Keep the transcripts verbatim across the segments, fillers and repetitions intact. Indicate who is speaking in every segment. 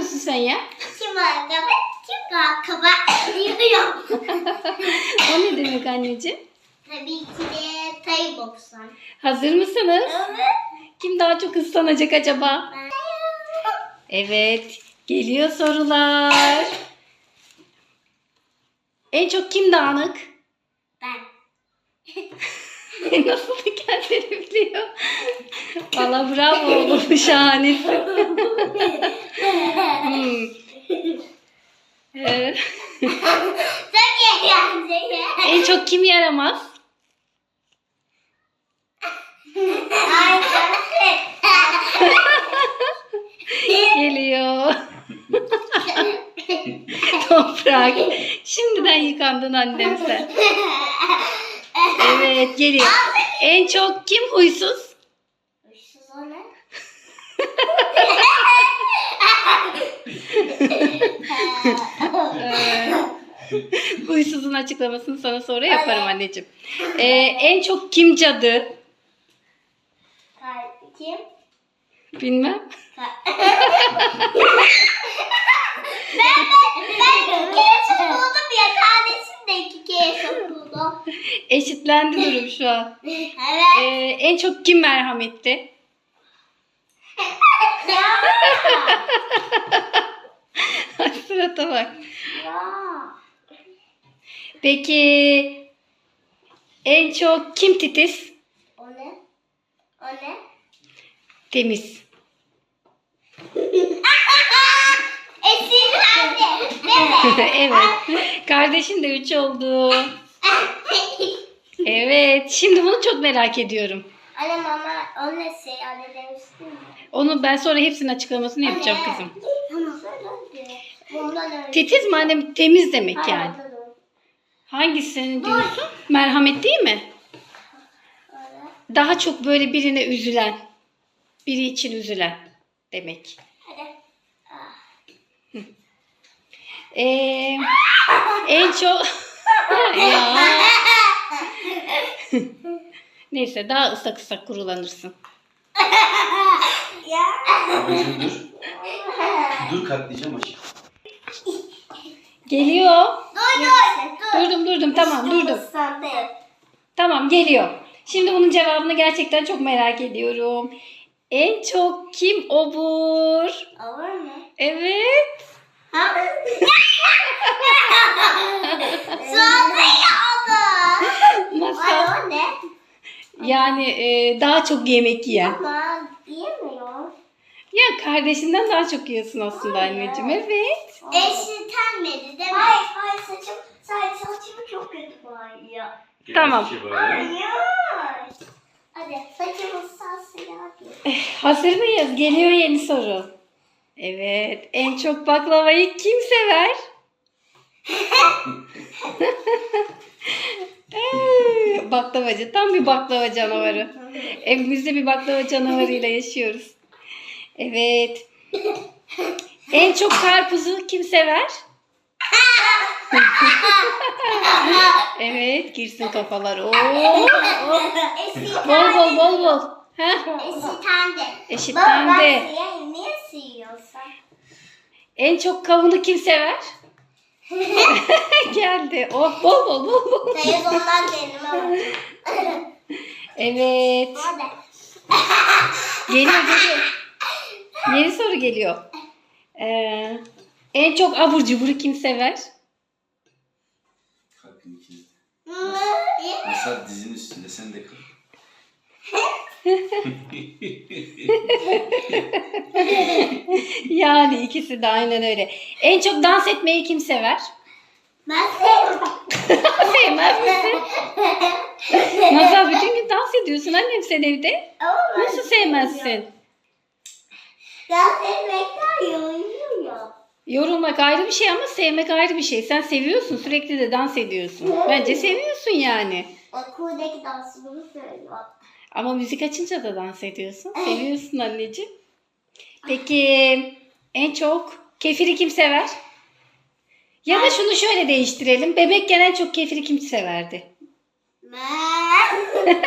Speaker 1: musun sen ya?
Speaker 2: Kim ayakkabı, kim ayakkabı diyorum.
Speaker 1: O ne demek anneciğim?
Speaker 2: Tabii ki de Tay boksan.
Speaker 1: Hazır mısınız?
Speaker 2: Evet.
Speaker 1: Kim daha çok ıslanacak acaba?
Speaker 2: Ben.
Speaker 1: Evet. Geliyor sorular. En çok kim dağınık?
Speaker 2: Ben.
Speaker 1: Nasıl da kendini biliyor. Valla bravo oğlum. Şahanesin. Hmm. Ee,
Speaker 2: Çok eğlenceli.
Speaker 1: en çok kim yaramaz?
Speaker 2: Ay ben.
Speaker 1: Geliyor. Toprak. Şimdiden yıkandın annem sen. Evet geliyor. En çok kim huysuz?
Speaker 2: Huysuz o ne?
Speaker 1: Ee, huysuzun açıklamasını sana sonra yaparım anneciğim. Ee, en çok kim cadı?
Speaker 2: Kim?
Speaker 1: Bilmem.
Speaker 2: Ben ben ben iki kere sokuldum ya. Kardeşim de iki kere sokuldu.
Speaker 1: Eşitlendi durum şu an.
Speaker 2: Evet.
Speaker 1: Ee, en çok kim merhametli?
Speaker 2: Ya.
Speaker 1: Surata bak.
Speaker 2: Ya.
Speaker 1: Peki en çok kim titiz?
Speaker 2: O ne? O ne?
Speaker 1: Temiz.
Speaker 2: Esinlendi. Değil mi?
Speaker 1: Evet. Kardeşin de üç oldu. Evet. Şimdi bunu çok merak ediyorum.
Speaker 2: Annem ama o ne şey anne demiştin mi?
Speaker 1: Onu ben sonra hepsinin açıklamasını yapacağım kızım.
Speaker 2: Tamam söyle. Bundan önce.
Speaker 1: Titiz mi annem? Temiz demek yani.
Speaker 2: Hayır, dur.
Speaker 1: Hangisini diyorsun? Merhamet değil mi?
Speaker 2: Öyle.
Speaker 1: Daha çok böyle birine üzülen. Biri için üzülen demek.
Speaker 2: Hadi. Ah.
Speaker 1: Ee, en çok... ya. Neyse daha ıslak ıslak kurulanırsın.
Speaker 2: Ya.
Speaker 3: Babacığım dur. Dur katlayacağım aşkım.
Speaker 1: Geliyor.
Speaker 2: Dur dur. Dur.
Speaker 1: Durdum durdum tamam durdum.
Speaker 2: Sen de.
Speaker 1: Tamam geliyor. Şimdi bunun cevabını gerçekten çok merak ediyorum. En çok kim obur?
Speaker 2: Olur mu?
Speaker 1: Evet.
Speaker 2: Ha? Sonra yapma.
Speaker 1: Masal.
Speaker 2: Ay o ne?
Speaker 1: Yani e, daha çok yemek yiyen.
Speaker 2: Ama yemiyor.
Speaker 1: Ya kardeşinden daha çok yiyorsun aslında anneciğim. Evet.
Speaker 2: Eşitelmedi değil mi? Hayır hayır saçım, sadece saçımı çok kötü bağırıyor.
Speaker 1: Tamam.
Speaker 2: Hayır. Hadi saçımı sarsın yapayım.
Speaker 1: Hazır mıyız? Geliyor yeni soru. Evet. En çok baklavayı kim sever? Ee, Baklavacı. Tam bir baklava canavarı. Evimizde bir baklava canavarıyla yaşıyoruz. Evet. En çok karpuzu kim sever? Evet. Girsin kafalar. Oo. Bol bol bol bol. Ha?
Speaker 2: Eşitendi.
Speaker 1: Eşitlendi.
Speaker 2: Baba ben siyah niye siliyorsun?
Speaker 1: En çok kavunu kim sever? Geldi. Oh bol bol bol bol.
Speaker 2: Telefondan kendime bak.
Speaker 1: Evet.
Speaker 2: Hadi.
Speaker 1: Geliyor geliyor. Yeni soru geliyor. Ee, en çok abur cuburu kim sever?
Speaker 3: Kalkın ikiniz de.
Speaker 2: Hı,
Speaker 3: Masal dizinin üstünde sen de kalk.
Speaker 1: Yani ikisi de aynen öyle. En çok dans etmeyi kim sever?
Speaker 2: Ben sevmem.
Speaker 1: Sevmez misin? Masal bütün gün dans ediyorsun annem sen evde.
Speaker 2: Ama ben
Speaker 1: Nasıl sevmezsin?
Speaker 2: dans etmekten yoruluyor.
Speaker 1: Yorulmak ayrı bir şey ama sevmek ayrı bir şey. Sen seviyorsun sürekli de dans ediyorsun. Bence seviyorsun yani.
Speaker 2: Okuldaki dansımı söylüyor.
Speaker 1: Ama müzik açınca da dans ediyorsun. Seviyorsun anneciğim. Peki en çok kefiri kim sever? Ya da şunu şöyle değiştirelim. Bebekken en çok kefiri kim severdi?
Speaker 2: Ben.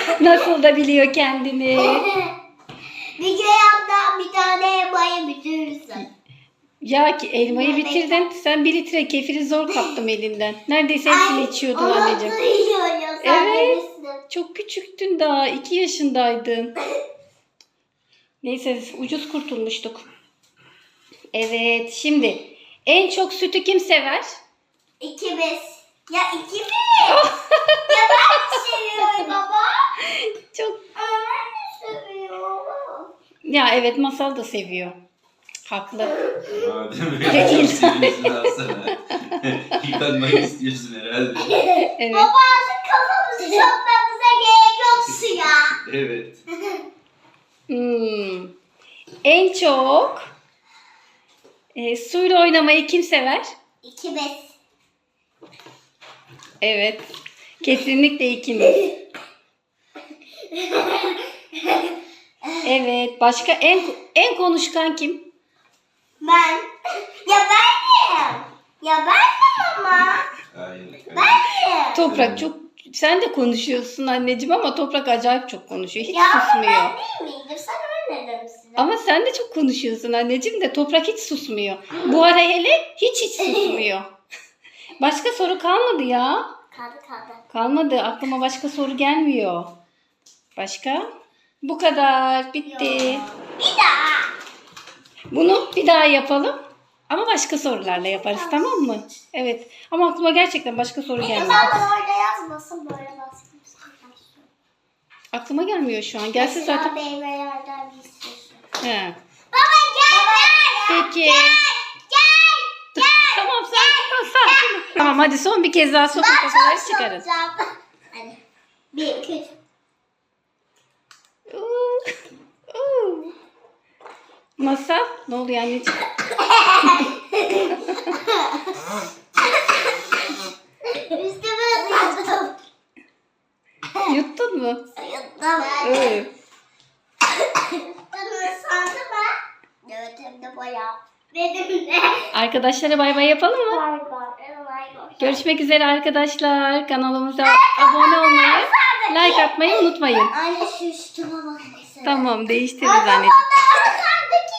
Speaker 1: Nasıl da biliyor kendini.
Speaker 2: Bir kere hatta bir tane elmayı bütün Verirsin.
Speaker 1: Ya ki elmayı
Speaker 2: Ya
Speaker 1: bitirdin. Sen bir litre kefiri zor kaptım elinden. Neredeyse hepsini içiyordun
Speaker 2: onu
Speaker 1: anneciğim.
Speaker 2: duyuyorum. Sen
Speaker 1: Evet.
Speaker 2: verirsin.
Speaker 1: Çok küçüktün daha. iki yaşındaydın. Neyse ucuz kurtulmuştuk. Evet şimdi en çok sütü kim sever?
Speaker 2: İkimiz. Ya ikimiz. Ya ben de seviyorum baba.
Speaker 1: Çok.
Speaker 2: Ama ben de seviyorum.
Speaker 1: Ya evet Masal da seviyor. Haklı.
Speaker 3: Madem öyle çok seviyorsun alsana. Yıkanmak istiyorsun herhalde.
Speaker 1: Evet.
Speaker 2: Baba artık kafamızı sokmamıza gerek yok suya.
Speaker 3: Evet.
Speaker 1: Hmm. En çok e, suyla oynamayı kim sever?
Speaker 2: İkimiz.
Speaker 1: Evet. Kesinlikle ikimiz. Evet. Başka en en konuşkan kim?
Speaker 2: Ben. Ya benim. Ya benim ama.
Speaker 3: Hayır.
Speaker 2: Benim.
Speaker 1: Toprak çok sen de konuşuyorsun anneciğim ama Toprak acayip çok konuşuyor. Hiç
Speaker 2: Ya ama
Speaker 1: susmuyor.
Speaker 2: ben değil miydim? Sen öyle demişsin.
Speaker 1: Ama sen de çok konuşuyorsun anneciğim de Toprak hiç susmuyor. Bu ara hele hiç hiç susmuyor. Başka soru kalmadı ya.
Speaker 2: Kaldı kaldı.
Speaker 1: Kalmadı. Aklıma başka soru gelmiyor. Başka? Bu kadar. Bitti.
Speaker 2: Yok. Bir daha.
Speaker 1: Bunu bir daha yapalım. Ama başka sorularla yaparız, tamam mı? Evet. Ama aklıma gerçekten başka soru gelmedi.
Speaker 2: Sen orada yazmasın böyle baskın.
Speaker 1: Aklıma gelmiyor şu an. Gelse
Speaker 2: Mesela
Speaker 1: zaten.
Speaker 2: meyvelerden bir sürü.
Speaker 1: He.
Speaker 2: Baba gel gel.
Speaker 1: Peki.
Speaker 2: Gel. Gel.
Speaker 1: Tamam sakin ol, sakin ol. Tamam hadi son bir kez daha sokun kafaları çıkarın.
Speaker 2: Hadi. Bir, iki, üç.
Speaker 1: Uuu, uuu. Masal, ne oluyor anneciğim?
Speaker 2: Üstüme ısırdım.
Speaker 1: Yuttun mu?
Speaker 2: Yuttum.
Speaker 1: Öyle.
Speaker 2: Üstüme ısırdım ha. Evet hem de bayağı. Benim de.
Speaker 1: Arkadaşlara bay bay yapalım mı?
Speaker 2: Bay bay. Bay bay.
Speaker 1: Görüşmek üzere arkadaşlar. Kanalımıza abone olmayı, like atmayı unutmayın.
Speaker 2: Anne şu üstüme bak.
Speaker 1: Tamam değiştiririz anneciğim.
Speaker 2: Baba, sandaki